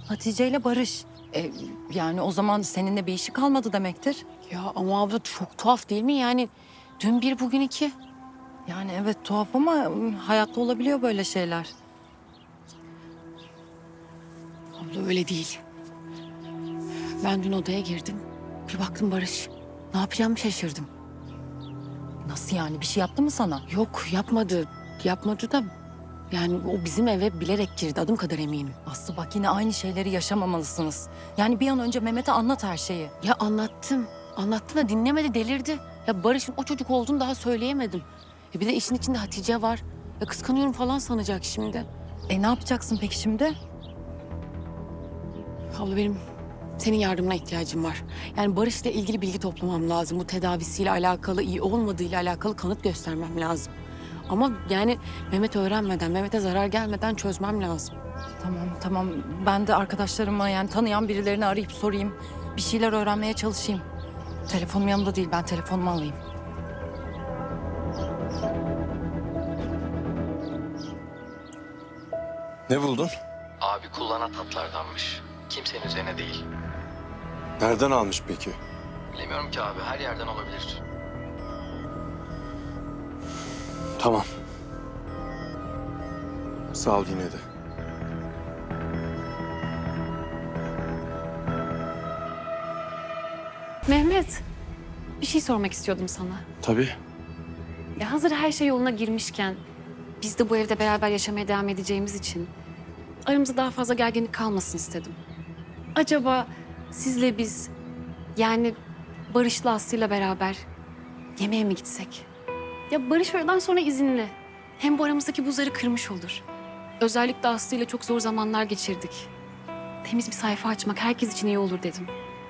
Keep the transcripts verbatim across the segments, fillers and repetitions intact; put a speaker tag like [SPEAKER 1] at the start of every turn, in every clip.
[SPEAKER 1] Hatice ile Barış. E, yani o zaman seninle bir işi kalmadı demektir.
[SPEAKER 2] Ya ama abla çok tuhaf değil mi? Yani dün bir bugün iki.
[SPEAKER 1] Yani evet tuhaf ama ım, hayatta olabiliyor böyle şeyler.
[SPEAKER 2] Abla öyle değil. Ben dün odaya girdim. Bir baktım Barış. Ne yapacağımı şaşırdım.
[SPEAKER 1] Nasıl yani bir şey yaptı mı sana?
[SPEAKER 2] Yok yapmadı. Yapmadı da yani o bizim eve bilerek girdi. Adım kadar eminim.
[SPEAKER 1] Aslı bak yine aynı şeyleri yaşamamalısınız. Yani bir an önce Mehmet'e anlat her şeyi.
[SPEAKER 2] Ya anlattım. Anlattım da dinlemedi, delirdi. Ya Barış'ın o çocuk olduğunu daha söyleyemedim. Ya bir de işin içinde Hatice var. Ya kıskanıyorum falan sanacak şimdi.
[SPEAKER 1] E ne yapacaksın peki şimdi?
[SPEAKER 2] Abla benim senin yardımına ihtiyacım var. Yani Barış'la ilgili bilgi toplamam lazım. Bu tedavisiyle alakalı, iyi olmadığıyla alakalı kanıt göstermem lazım. Ama yani Mehmet öğrenmeden, Mehmet'e zarar gelmeden çözmem lazım.
[SPEAKER 1] Tamam tamam ben de arkadaşlarıma yani tanıyan birilerini arayıp sorayım. Bir şeyler öğrenmeye çalışayım. Telefonum yanımda değil ben telefonumu alayım.
[SPEAKER 3] Ne buldun?
[SPEAKER 4] Abi kullanan tatlardanmış. Kimsenin üzerine değil.
[SPEAKER 3] Nereden almış peki?
[SPEAKER 4] Bilemiyorum ki abi, her yerden olabilir.
[SPEAKER 3] Tamam. Sağ ol yine de.
[SPEAKER 5] Mehmet, bir şey sormak istiyordum sana.
[SPEAKER 3] Tabii.
[SPEAKER 5] Ya hazır her şey yoluna girmişken, biz de bu evde beraber yaşamaya devam edeceğimiz için aramızda daha fazla gerginlik kalmasın istedim. Acaba sizle biz, yani Barış'la Aslı'yla beraber yemeğe mi gitsek? Ya Barış öğleden sonra izinli. Hem bu aramızdaki buzları kırmış olur. Özellikle Aslı'yla çok zor zamanlar geçirdik. Temiz bir sayfa açmak herkes için iyi olur dedim.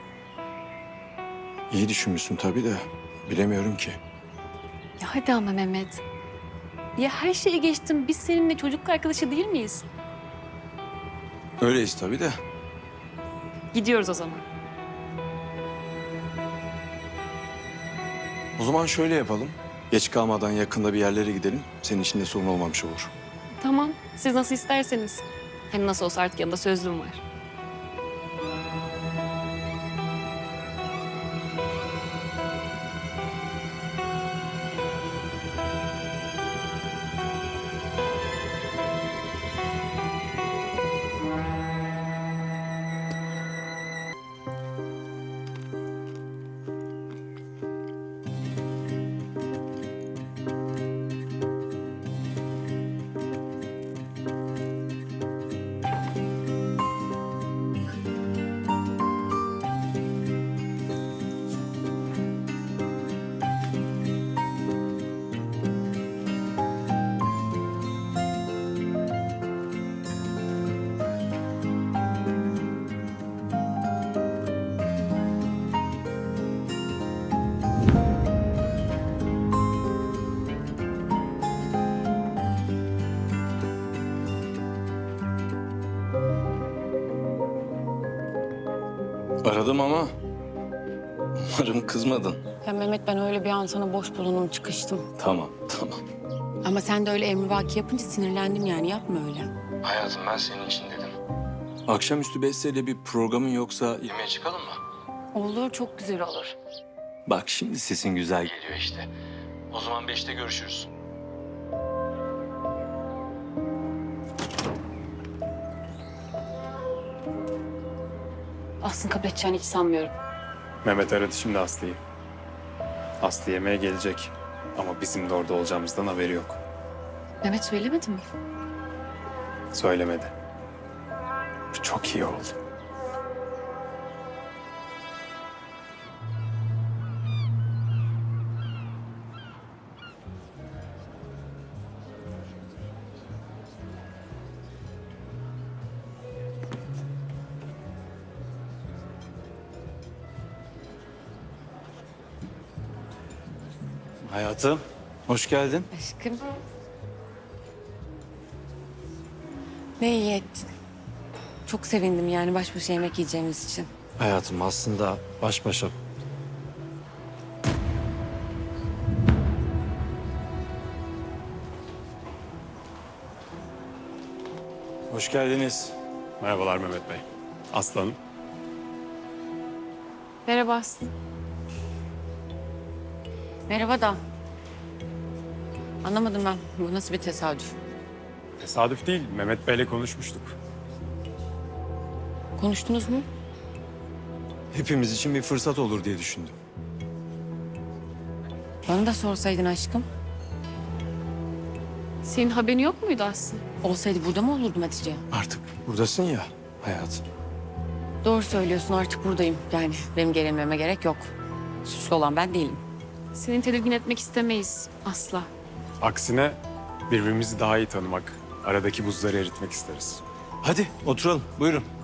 [SPEAKER 3] İyi düşünmüşsün tabii de bilemiyorum ki.
[SPEAKER 5] Ya hadi ama Mehmet. Ya her şeyi geçtim. Biz seninle çocukluk arkadaşı değil miyiz?
[SPEAKER 3] Öyleyiz tabii de.
[SPEAKER 5] Gidiyoruz o zaman.
[SPEAKER 3] O zaman şöyle yapalım. Geç kalmadan yakında bir yerlere gidelim. Senin için de sorun olmamış olur.
[SPEAKER 5] Tamam. Siz nasıl isterseniz. Hem nasıl olsa artık yanında sözlüğüm var.
[SPEAKER 3] Aradım ama umarım kızmadın.
[SPEAKER 2] Ya Mehmet ben öyle bir an sana boş bulundum, çıkıştım.
[SPEAKER 3] Tamam, tamam.
[SPEAKER 2] Ama sen de öyle emrivaki yapınca sinirlendim yani. Yapma öyle.
[SPEAKER 4] Hayatım, ben senin için dedim.
[SPEAKER 3] Akşamüstü Beste'yle bir programın yoksa yemeğe çıkalım mı?
[SPEAKER 2] Olur, çok güzel olur.
[SPEAKER 3] Bak şimdi sesin güzel geliyor.
[SPEAKER 4] Geliyor işte. O zaman beşte görüşürüz.
[SPEAKER 2] Aslında kabul edeceğini hiç sanmıyorum.
[SPEAKER 6] Mehmet aradı şimdi Aslı'yı. Aslı yemeğe gelecek. Ama bizim de orada olacağımızdan haberi yok.
[SPEAKER 5] Mehmet söylemedi mi?
[SPEAKER 6] Söylemedi. Bu çok iyi oldu.
[SPEAKER 7] Hayatım, hoş geldin.
[SPEAKER 2] Aşkım. Ne iyi ettin. Çok sevindim yani baş başa yemek yiyeceğimiz için.
[SPEAKER 7] Hayatım aslında baş başa... Hoş geldiniz.
[SPEAKER 6] Merhabalar Mehmet Bey. Aslanım.
[SPEAKER 5] Merhaba Aslı.
[SPEAKER 2] Merhaba da. Anlamadım ben. Bu nasıl bir tesadüf?
[SPEAKER 6] Tesadüf değil, Mehmet Bey'le konuşmuştuk.
[SPEAKER 2] Konuştunuz mu?
[SPEAKER 3] Hepimiz için bir fırsat olur diye düşündüm.
[SPEAKER 2] Bana da sorsaydın aşkım.
[SPEAKER 5] Senin haberin yok muydu Aslı?
[SPEAKER 2] Olsaydı burada mı olurdum Hatice?
[SPEAKER 3] Artık buradasın ya hayatım.
[SPEAKER 2] Doğru söylüyorsun, artık buradayım. Yani benim gerilmeme gerek yok. Suçlu olan ben değilim.
[SPEAKER 5] Seni tedirgin etmek istemeyiz asla.
[SPEAKER 6] Aksine birbirimizi daha iyi tanımak, aradaki buzları eritmek isteriz.
[SPEAKER 3] Hadi oturalım buyurun.